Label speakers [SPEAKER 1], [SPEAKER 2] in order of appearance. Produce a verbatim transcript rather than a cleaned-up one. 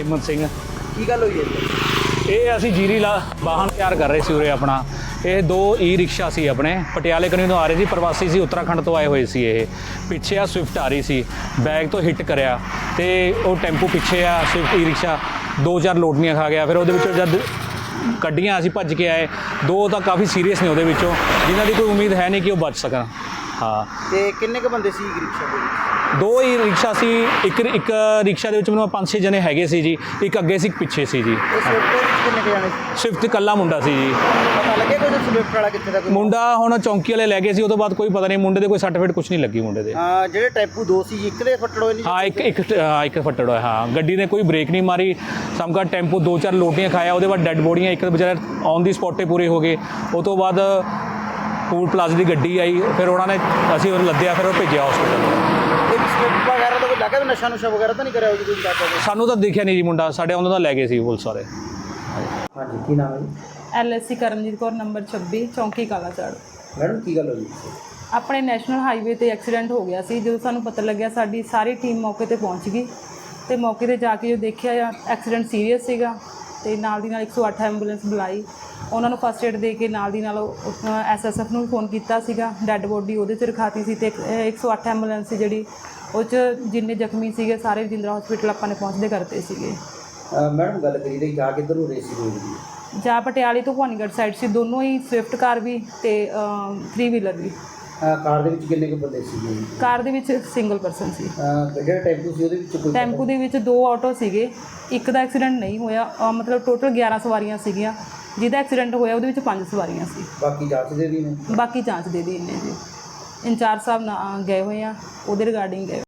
[SPEAKER 1] ਹਿੰਮਤ ਸਿੰਘ।
[SPEAKER 2] ਕੀ ਗੱਲ ਹੋਈ ਹੈ?
[SPEAKER 1] ਇਹ ਅਸੀਂ ਜੀਰੀ ਲਾ ਵਾਹਨ ਤਿਆਰ ਕਰ ਰਹੇ ਸੀ ਉਰੇ ਆਪਣਾ। ਇਹ ਦੋ ਈ ਰਿਕਸ਼ਾ ਸੀ ਆਪਣੇ, ਪਟਿਆਲੇ ਕਨੀ ਤੋਂ ਆ ਰਹੇ ਸੀ, ਪ੍ਰਵਾਸੀ ਸੀ, ਉੱਤਰਾਖੰਡ ਤੋਂ ਆਏ ਹੋਏ ਸੀ। ਇਹ ਪਿੱਛੇ ਆ ਸਵਿਫਟ ਆ ਰਹੀ ਸੀ, ਬੈਗ ਤੋਂ ਹਿੱਟ ਕਰਿਆ ਅਤੇ ਉਹ ਟੈਂਪੂ ਪਿੱਛੇ ਆ ਸਵਿਫਟ ਈ ਰਿਕਸ਼ਾ ਦੋ ਚਾਰ ਲੋਟਨੀਆਂ ਖਾ ਗਿਆ। ਫਿਰ ਉਹਦੇ ਵਿੱਚੋਂ ਜਦ ਕੱਢੀਆਂ ਅਸੀਂ ਭੱਜ ਕੇ ਆਏ, ਦੋ ਤਾਂ ਕਾਫੀ ਸੀਰੀਅਸ ਨੇ ਉਹਦੇ ਵਿੱਚੋਂ, ਜਿਨ੍ਹਾਂ ਦੀ ਕੋਈ ਉਮੀਦ ਹੈ ਨਹੀਂ ਕਿ ਉਹ ਬਚ ਸਕਣ। ਹਾਂ।
[SPEAKER 2] ਤੇ ਕਿੰਨੇ ਕੁ ਬੰਦੇ ਸੀ ਰਿਕਸ਼ਾ ਦੇ ਵਿੱਚ?
[SPEAKER 1] ਦੋ ਹੀ ਰਿਕਸ਼ਾ ਸੀ। ਇੱਕ ਇੱਕ ਰਿਕਸ਼ਾ ਦੇ ਵਿੱਚ ਮੈਨੂੰ ਪੰਜ ਛੇ ਜਣੇ ਹੈਗੇ ਸੀ ਜੀ, ਇੱਕ ਅੱਗੇ ਸੀ ਇੱਕ ਪਿੱਛੇ ਸੀ ਜੀ।
[SPEAKER 2] ਇਹ ਸਵਿਫਟ ਦੇ ਵਿੱਚ ਕਿੰਨੇ ਕੁ ਜਾਣੇ ਸੀ?
[SPEAKER 1] ਸਵਿਫਟ ਇਕੱਲਾ ਮੁੰਡਾ ਸੀ ਜੀ।
[SPEAKER 2] ਪਤਾ ਲੱਗਿਆ ਕੋਈ ਸਵਿਫਟ ਵਾਲਾ ਕਿੱਥੇ ਦਾ? ਕੋਈ
[SPEAKER 1] ਮੁੰਡਾ ਹੁਣ ਚੌਂਕੀ ਵਾਲੇ ਲੈ ਗਏ ਸੀ, ਉਹ ਤੋਂ ਬਾਅਦ ਕੋਈ ਪਤਾ ਨਹੀਂ। ਮੁੰਡੇ ਦੇ ਕੋਈ ਸਰਟੀਫਿਕੇਟ ਕੁਛ ਨਹੀਂ ਲੱਗੀ ਮੁੰਡੇ ਦੇ।
[SPEAKER 2] ਹਾਂ, ਜਿਹੜੇ ਟੈਂਪੂ ਦੋ ਸੀ ਜੀ, ਇੱਕ ਦੇ ਫੱਟੜ ਹੋਏ ਨਹੀਂ?
[SPEAKER 1] ਹਾਂ, ਇੱਕ ਇੱਕ ਹਾਂ ਇੱਕ ਫੱਟੜ ਹੋਇਆ। ਹਾਂ, ਗੱਡੀ ਨੇ ਕੋਈ ਬ੍ਰੇਕ ਨਹੀਂ ਮਾਰੀ। ਸਮਕਾ ਟੈਂਪੂ ਦੋ ਚਾਰ ਲੋਟੀਆਂ ਖਾਇਆ, ਉਹਦੇ ਬਾਅਦ ਡੈੱਡ ਬੋਡੀਆਂ, ਇੱਕ ਵਿਚਾਰੇ ਔਨ ਦੀ ਸਪੌਟ 'ਤੇ ਪੂਰੇ ਹੋ ਗਏ। ਉਹ ਤੋਂ ਬਾਅਦ ਟੂਲ ਪਲਾਜ਼ਾ ਦੀ ਗੱਡੀ ਆਈ, ਫਿਰ ਉਹਨਾਂ ਨੇ ਅਸੀਂ ਉਹਨੂੰ ਲੱਦਿਆ, ਫਿਰ ਉਹ ਭੇਜਿਆ ਹਸਪੀਟਲ।
[SPEAKER 2] ਸਵਿਫਟ ਵਗੈਰਾ ਦਾ ਕੋਈ ਲੱਗਾ ਵੀ ਨਸ਼ਾ ਨੁਸ਼ਾ ਵਗੈਰਾ ਤਾਂ ਨਹੀਂ ਕਰਿਆ ਜੀ ਕੋਈ?
[SPEAKER 1] ਸਾਨੂੰ ਤਾਂ ਦੇਖਿਆ ਨਹੀਂ ਜੀ ਮੁੰਡਾ, ਸਾਡੇ ਉਹਨਾਂ ਦਾ ਲੈ ਗਏ ਸੀ ਪੁਲਿਸ ਵਾਲੇ।
[SPEAKER 2] ਹਾਂਜੀ, ਕੀ ਨਾਮ ਹੈ ਜੀ?
[SPEAKER 3] L S C Karamjit Kaur, number ਛੱਬੀ, ਚੌਂਕੀ ਕਾਲਾਚਾੜ।
[SPEAKER 2] ਮੈਡਮ ਕੀ ਗੱਲ ਹੋਈ?
[SPEAKER 3] ਆਪਣੇ ਨੈਸ਼ਨਲ ਹਾਈਵੇ ਤੇ ਐਕਸੀਡੈਂਟ ਹੋ ਗਿਆ ਸੀ। ਜਦੋਂ ਸਾਨੂੰ ਪਤਾ ਲੱਗਿਆ, ਸਾਡੀ ਸਾਰੀ ਟੀਮ ਮੌਕੇ ਤੇ ਪਹੁੰਚ ਗਈ ਤੇ ਮੌਕੇ ਤੇ ਜਾ ਕੇ ਜੋ ਦੇਖਿਆ, ਐਕਸੀਡੈਂਟ ਸੀਰੀਅਸ ਸੀਗਾ ਤੇ ਨਾਲ ਦੀ ਨਾਲ ਇੱਕ ਸੌ ਅੱਠ ਐਂਬੂਲੈਂਸ ਬੁਲਾਈ, ਉਹਨਾਂ ਨੂੰ ਫਸਟ ਏਡ ਦੇ ਕੇ ਨਾਲ ਦੀ ਨਾਲ ਐਸ ਐਸ ਐਫ ਨੂੰ ਵੀ ਫੋਨ ਕੀਤਾ ਸੀਗਾ। ਡੈੱਡ ਬੋਡੀ ਉਹਦੇ 'ਚ ਰਖਾਤੀ ਸੀ ਤੇ ਇੱਕ ਸੌ ਅੱਠ ਐਂਬੂਲੈਂਸ ਸੀ ਜਿਹੜੀ, ਉਹ 'ਚ ਜਿੰਨੇ ਜ਼ਖਮੀ ਸੀਗੇ ਸਾਰੇ ਰਜਿੰਦਰਾ ਹਸਪੀਟਲ ਆਪਾਂ ਨੇ ਪਹੁੰਚਦੇ ਕਰਤੇ ਸੀਗੇ।
[SPEAKER 2] ਮੈਡਮ ਗੱਲ ਕਰੀ ਰਹੀ ਜਾ ਕਿੱਧਰ ਨੂੰ ਰੇਸ ਸੀ ਰੋਡ ਦੀ?
[SPEAKER 3] ਜਾਂ ਪਟਿਆਲੇ ਤੋਂ ਭਵਾਨੀਗੜ੍ਹ ਸਾਈਡ ਸੀ, ਦੋਨੋਂ ਹੀ ਸਵਿਫਟ ਕਾਰ ਵੀ ਤੇ ਥ੍ਰੀ ਵੀਲਰ ਵੀ।
[SPEAKER 2] ਕਾਰ ਦੇ ਵਿੱਚ ਕਿੰਨੇ ਕੁ ਬੰਦੇ ਸੀਗੇ?
[SPEAKER 3] ਕਾਰ ਦੇ ਵਿੱਚ ਸਿੰਗਲ ਪਰਸਨ ਸੀ।
[SPEAKER 2] ਜਿਹੜਾ ਟੈਂਪੂ ਸੀ ਉਹਦੇ ਵਿੱਚ ਕੋਈ?
[SPEAKER 3] ਟੈਂਪੂ ਦੇ ਵਿੱਚ ਦੋ ਆਟੋ ਸੀਗੇ, ਇੱਕ ਦਾ ਐਕਸੀਡੈਂਟ ਨਹੀਂ ਹੋਇਆ, ਮਤਲਬ ਟੋਟਲ ਗਿਆਰਾਂ ਸਵਾਰੀਆਂ ਸੀਗੀਆਂ। ਜਿਹਦਾ ਐਕਸੀਡੈਂਟ ਹੋਇਆ ਉਹਦੇ ਵਿੱਚ ਪੰਜ ਸਵਾਰੀਆਂ ਸੀ।
[SPEAKER 2] ਬਾਕੀ ਜਾਂਚ ਦੇ ਦੀ ਨੇ?
[SPEAKER 3] ਬਾਕੀ ਜਾਂਚ ਦੇ ਦੀ ਨੇ ਜੀ। ਇੰਚਾਰਜ ਸਾਹਿਬ ਨਾ ਗਏ ਹੋਏ ਆ, ਉਹਦੇ ਰਿਗਾਰਡਿੰਗ ਗਏ।